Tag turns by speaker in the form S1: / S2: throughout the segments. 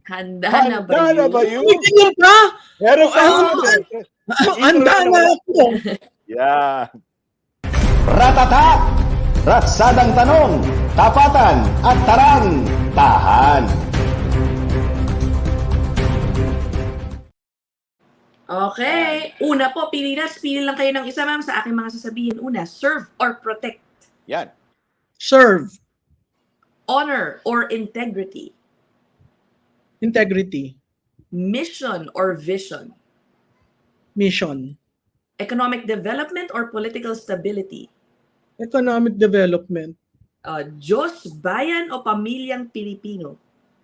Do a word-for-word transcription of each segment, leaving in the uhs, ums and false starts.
S1: Handa,
S2: Handa
S1: na ba
S2: na
S1: yun?
S2: ba yun?
S3: May ganyan pa?
S2: Meron pa.
S3: Ah, Handa na ako.
S2: Yan.
S4: Ratata! Ratsadang tanong, tapatan at tarang, tahan.
S1: Okay. Una po, pili na. Pili lang kayo ng isa, ma'am, sa aking mga sasabihin. Una, serve or protect.
S2: Yan.
S3: Serve.
S1: Honor or integrity.
S3: Integrity.
S1: Mission or vision.
S3: Mission.
S1: Economic development or political stability.
S3: Economic development.
S1: Uh, Diyos, bayan o pamilyang Pilipino.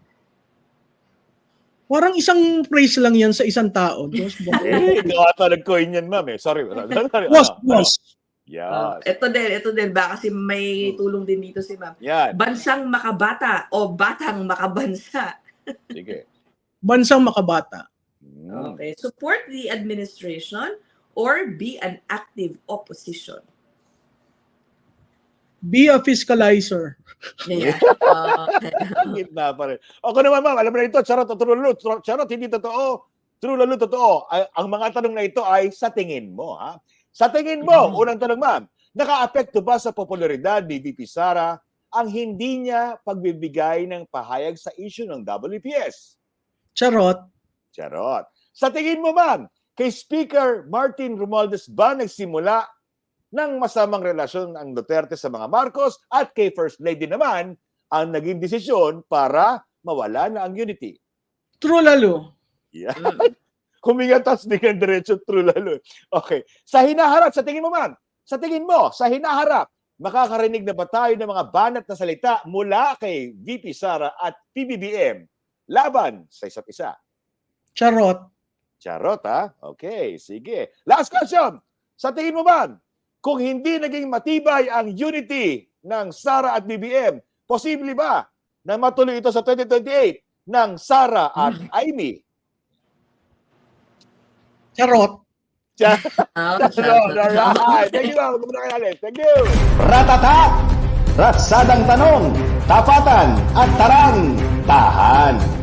S3: Parang isang phrase lang yan sa isang tao. Diyos,
S2: Eh, ikaw ata nag-coin yan, ma'am eh. Sorry.
S3: boss, boss.
S2: Yes.
S1: Ito din, ito din. Baka kasi may tulong din dito si ma'am.
S2: Yan.
S1: Bansang makabata o batang makabansa.
S2: Sige.
S3: Bansang makabata.
S2: Mm.
S1: Okay. Support the administration or be an active opposition.
S3: Be a fiscalizer.
S1: Yeah. Okay.
S2: Ang gitna pa rin. Ako naman, ma'am, alam mo na ito, charot o true lalo. Charot, hindi totoo. True lalo, totoo. Ay, ang mga tanong na ito ay sa tingin mo, ha? Sa tingin mo,
S1: Mhm.
S2: unang tanong, ma'am, naka-apekto ba sa popularidad ni V P Sara ang hindi niya pagbibigay ng pahayag sa issue ng W P S?
S3: Charot.
S2: Charot. Sa tingin mo, ma'am, kay Speaker Martin Romualdez ba nagsimula ng masamang relasyon ang Duterte sa mga Marcos at kay First Lady naman ang naging desisyon para mawala na ang unity?
S3: True lalo.
S2: Yeah.
S1: Mm.
S2: Huminga tapos di ka diretso true lalo. Okay. Sa hinaharap, sa tingin mo, ma'am, sa tingin mo, sa hinaharap, makakarinig na ba tayo ng mga banat na salita mula kay V P Sara at P B B M laban sa isa't isa?
S3: Charot.
S2: Charot, ha? Okay, sige. Last question. Sa tingin mo, ma'am, kung hindi naging matibay ang unity ng Sara at B B M, posible ba na matuloy ito sa twenty twenty-eight ng Sara at Amy?
S3: Charot.
S2: Charot.
S1: Oh,
S2: Alright. Thank you, ma'am. Thank you.
S4: Ratata! Ratsadang tanong, tapatan at tarang, tahan.